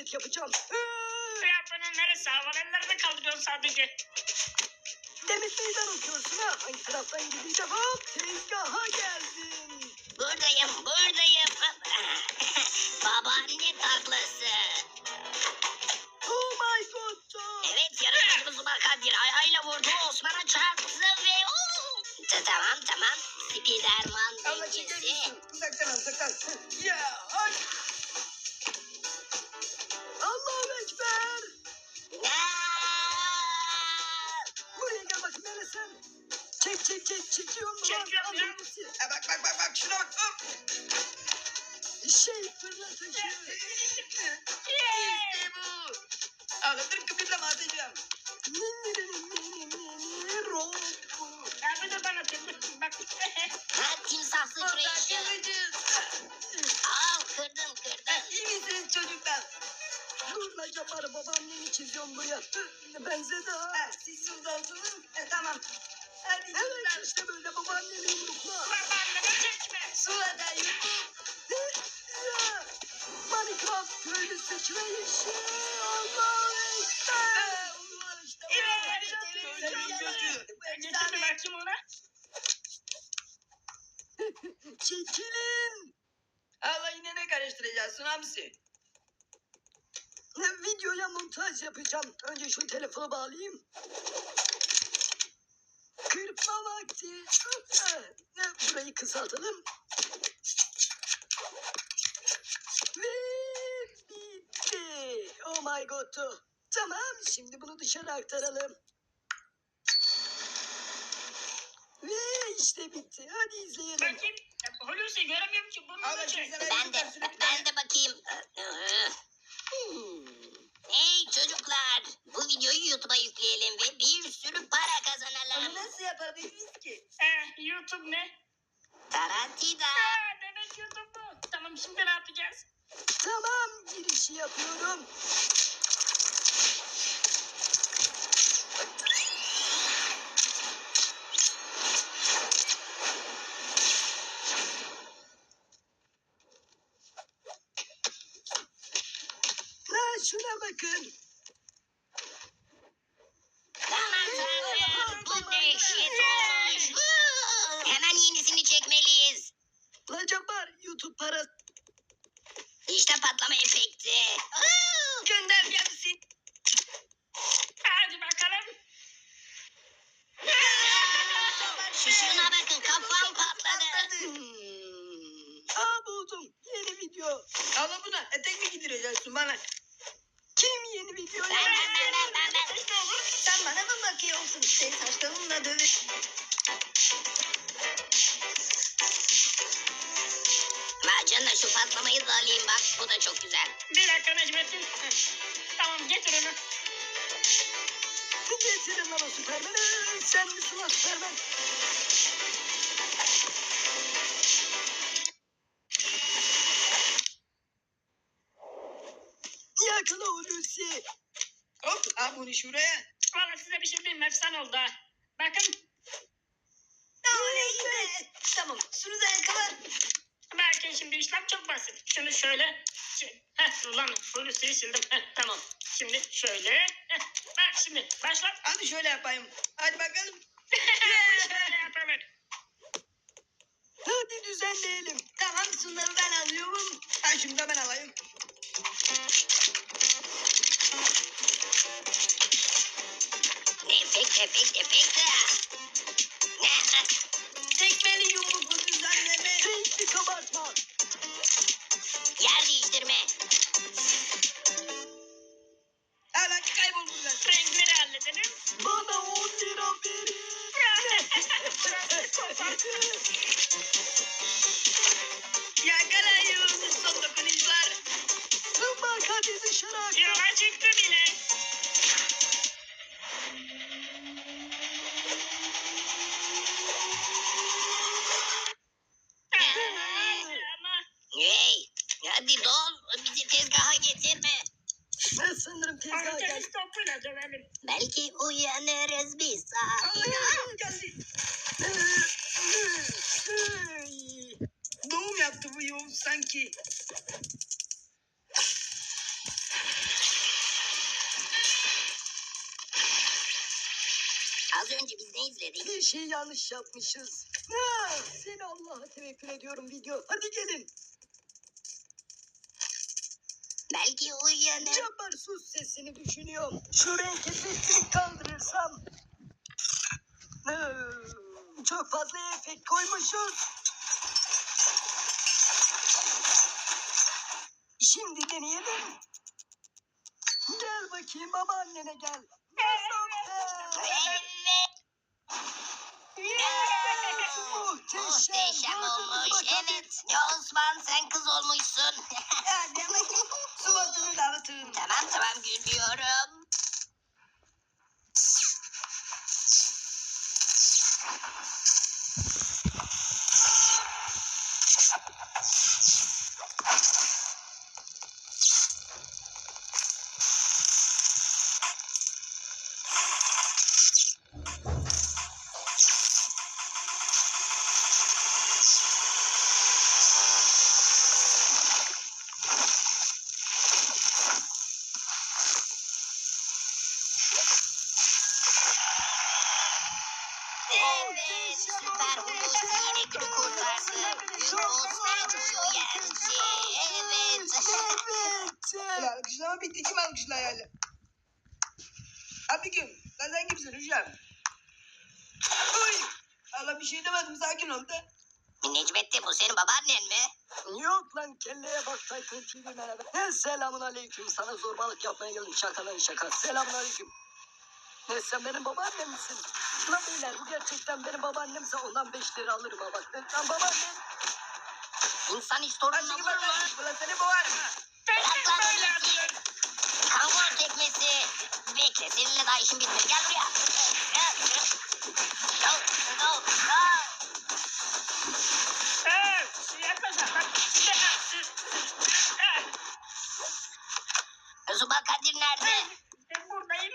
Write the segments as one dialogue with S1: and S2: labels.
S1: hareket yapacağım.
S2: Ya bunun neresi? Havalı ellerini kaldırıyorsun sadece.
S1: Demet meydan okuyorsun ha. Hangi taraftan gideceğim? Hop tezgaha geldim.
S3: Buradayım. Babaanne taklası.
S1: Oh my god.
S3: Evet, yarışmacımız Umar Kadir ayağıyla vurdu, Osman'a çarptı ve Tamam. Spiderman
S1: Allah çeker
S3: dengesi.
S1: misin? Uzaktan. Ya ay. Allahu Ekber. Buraya gel bakayım hele sen. Çekiyorum mu lan?
S2: Çekiyorum ya.
S1: Alır mısın? Bak şuna bak. Hop. Fırlatıcı. İşte bu. Ağlatır kıpırlama atacağım.
S2: Ya bir de bana bak.
S3: Timsah sıçrayışı. Al, kırdın.
S1: İyi misiniz çocuklar? Dur lan Cabbar'ı babaannemi çiziyorum buraya. Benzedi ha. Siz şuradasınız. Tamam. Hadi evet işte böyle babaannemi yumrukla.
S2: Babaanneme çekme.
S1: Suada yumruk. Minecraft köylü sıçrayışı. Allahu Ekber.
S2: Evet.
S1: Efsane.
S2: Getir bakayım ona.
S1: Çekilin. Allah yine ne karıştıracaksın hamsi? Videoya montaj yapacağım. Önce şu telefonu bağlayayım. Kırpma vakti. Burayı kısaltalım. Ve bitti. Oh my god. Tamam, şimdi bunu dışarı aktaralım. Ve işte bitti. Hadi izleyelim.
S2: Bakayım. Hulusi göremiyorum ki. Bunu da çek.
S3: Ben de bakayım. Hey çocuklar, bu videoyu YouTube'a yükleyelim ve bir sürü para
S1: Onu
S3: kazanalım.
S1: nasıl yapabiliriz ki?
S2: YouTube ne?
S3: Taratida.
S2: Demek YouTube bu. Tamam, şimdi ne yapacağız?
S1: Tamam, girişi yapıyorum. Şuna bakın.
S3: Aman tanrım, bu dehşet olmuş. Hemen yenisini çekmeliyiz.
S1: La Cabbar, YouTube parası.
S3: İşte patlama efekti.
S1: Gönder gelsin.
S2: Hadi bakalım.
S3: Şuna bakın, kafam patladı.
S1: Buldum. Yeni video. Ama buna etek mi giydireceksin bana? Kim yeni video
S3: Ben.
S1: Sen bana mı bakıyorsun? Sen saçlarınla dövüş.
S3: Canına şu patlamayı da alayım bak, bu da çok güzel.
S2: Bir dakika Necmettin. Tamam, getir onu.
S1: Getirin lan o Süpermen'i. Sen misin lan Süpermen? Yakala Hulusi. Hop, al bunu şuraya.
S2: Vallahi size bir şey diyeyim mi? Efsane oldu ha. Bakın.
S1: Oley be. Tamam, şunu da yakala.
S2: Belki şimdi işlem çok basit. Şunu şöyle. Ulan Hulusi'yi sildim. Tamam. Şimdi şöyle. Bak şimdi başlat.
S1: Hadi şöyle yapayım. Hadi bakalım.
S2: Şöyle yapalım.
S1: Hadi düzenleyelim. Tamam, şunları ben alıyorum. Şunu da ben alayım.
S3: Efekt.
S1: Tekmeli yumruklu düzenleme. Renkli kabartma.
S3: Yer değiştirme.
S1: Hala kayboldu ben.
S2: Renkleri halledelim.
S1: Bana 10 lira verin. Yakalayın son dokunuşlar. Bak hadi dışarı aktar.
S2: Yola çıktı bile. Ama
S3: Hey, hadi dol, bizi tezgaha getirme.
S1: Ben sanırım tezgaha geldim.
S2: Artemis topuyla dövelim.
S3: Belki uyanırız bir saat.
S1: Geldi. Doğum yaptı bu yol sanki.
S3: Az önce biz ne izledik?
S1: Bir şey yanlış yapmışız. Ha, seni Allah'a tevekkül ediyorum video. Hadi gelin.
S3: Belki uyanır.
S1: Cabbar sus sesini düşünüyorum. Şu renk efektini kaldırırsam. Çok fazla efekt koymuşuz. Şimdi deneyelim. Gel bakayım babaannene gel.
S3: Evet. Muhteşem olmuş. Evet. Ya Osman sen kız olmuşsun.
S1: Suvatını dağıtın.
S3: Tamam gülüyorum. Evet, süper Hulusi yine günü kurtardı. Osman uyandı. Evet.
S1: Ulan alkışlama bitti. Kim alkışlar yani? Abi gün. Lan sen kimsin hocam? Uy. Allah bir şey demedim. Sakin ol da.
S3: Necmettin bu senin babaannen mi?
S1: Yok lan kelleye bak Tayfun TV merhaba. Selamun aleyküm. Sana zorbalık yapmaya geldim. Şakadan şaka. Selamun aleyküm. Ne sen benim babaannem misin? Lan beyler bu gerçekten benim babaannemse ondan 5 lira alırım ha bak. Lan babaannem.
S3: İnsan hiç torununa vurur mu?
S1: Ulan seni boğarım ha.
S3: Bırak lan Hulusi. Kanguru tekmesi. Bekle seninle daha işim bitmedi. Gel buraya. Zuba Kadir nerede?
S2: Ben buradayım.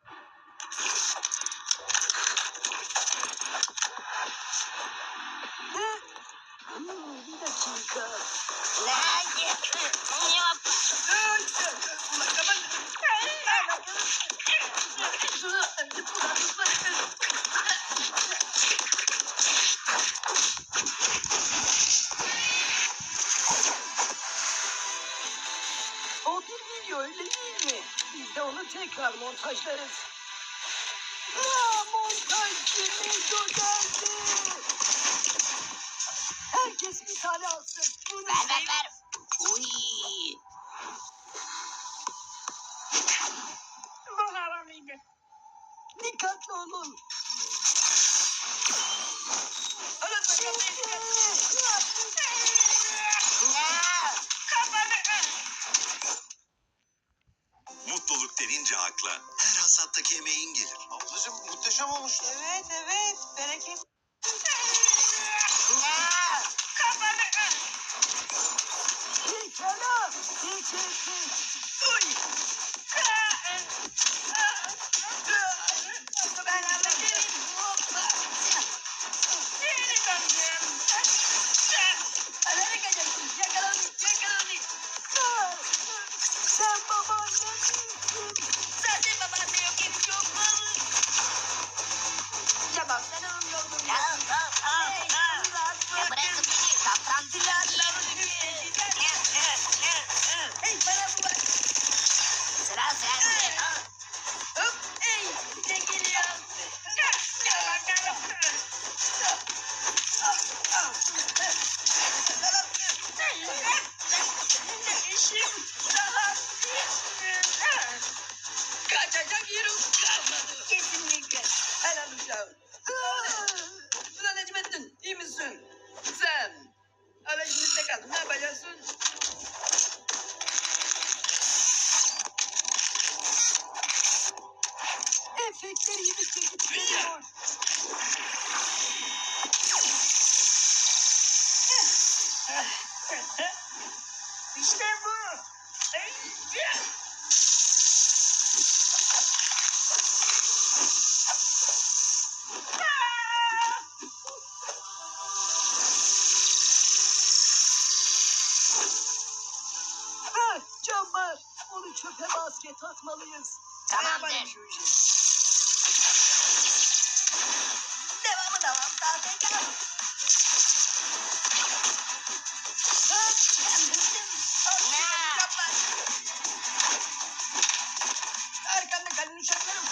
S1: Bir dakika.
S3: Nerede? Yok.
S1: Ulan kapat. O bir video öyle değil mi? Biz de onu tekrar montajlarız. Montajcı Neco geldi. Herkes bir tane alsın.
S3: Ver. Uy.
S2: Bu havalıydı.
S1: Dikkatli olun.
S4: Mutluluk denince akla her hasattaki emeğin gelir. Ablacığım muhteşem olmuş.
S1: Evet. Bereket. Pekala. Uy. Ben anlatayım.
S2: Geri döndüm.
S1: Nereye kaçacaksın? Yakalandık. Sen babaannem misin? Zaten babaanne yok. Evi çok malı. Tamam sen onun yolunu
S3: Ya bırakın beni. Kaptan
S1: Hey bana bu bak.
S3: Sıra sende.
S1: Hop hey. Ne geliyor? Kaçacak yerim kalmadı. Kesinlikle. Helal uşağım. Ulan Necmettin iyi misin? Sen. Hala işimizde kaldın. Ne yapacaksın? Efektleri yedikçe gidiyor.
S2: İşte bu.
S1: Cabbar. Onu çöpe basket atmalıyız.
S3: Tamamdır.
S1: Ayamayın şu işi. Devamı devam. Sahtekar. Arkanda kalın uçaklarım.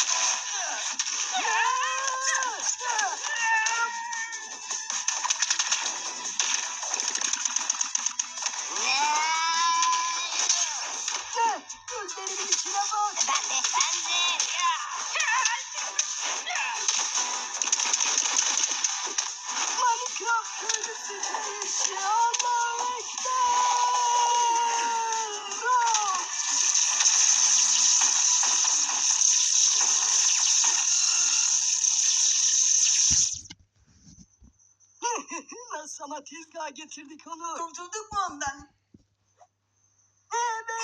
S1: Gözlerimin içine bak.
S3: Ben de.
S1: Minecraft köylüsünde yaşıyor. Allahu Ekber. Nasıl ama tezgaha getirdik onu. Kurtulduk mu ondan? Evet.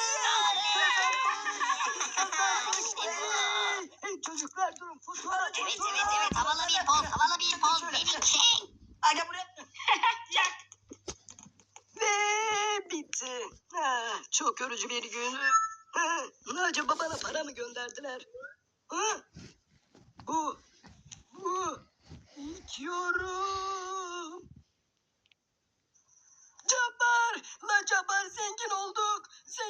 S1: Hey çocuklar durun. Fotoğraf.
S3: Evet. Havalı bir poz. Beni çek.
S1: Aga buraya.
S2: Yak.
S1: Ve bitti. Çok yorucu bir gün. Acaba bana para mı gönderdiler? Bu ilk yorum. Cabbar zengin olduk.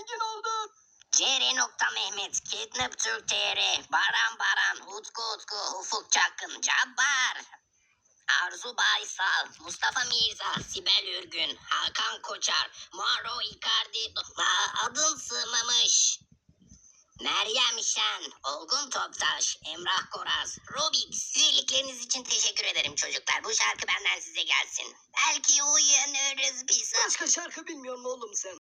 S3: CR.Mehmet, Kidnap Türk TR, Baran, Utku, Ufuk Çakın, Cabbar, Arzu Baysal, Mustafa Mirza, Sibel Ürgün, Hakan Koçar, Maro Icardi, adın sığmamış, Meryem Şen, Olgun Toptaş, Emrah Koraz, Rubik. Üyelikleriniz için teşekkür ederim çocuklar. Bu şarkı benden size gelsin. Belki uyanırız bir sabah.
S1: Başka şarkı bilmiyor mu oğlum sen?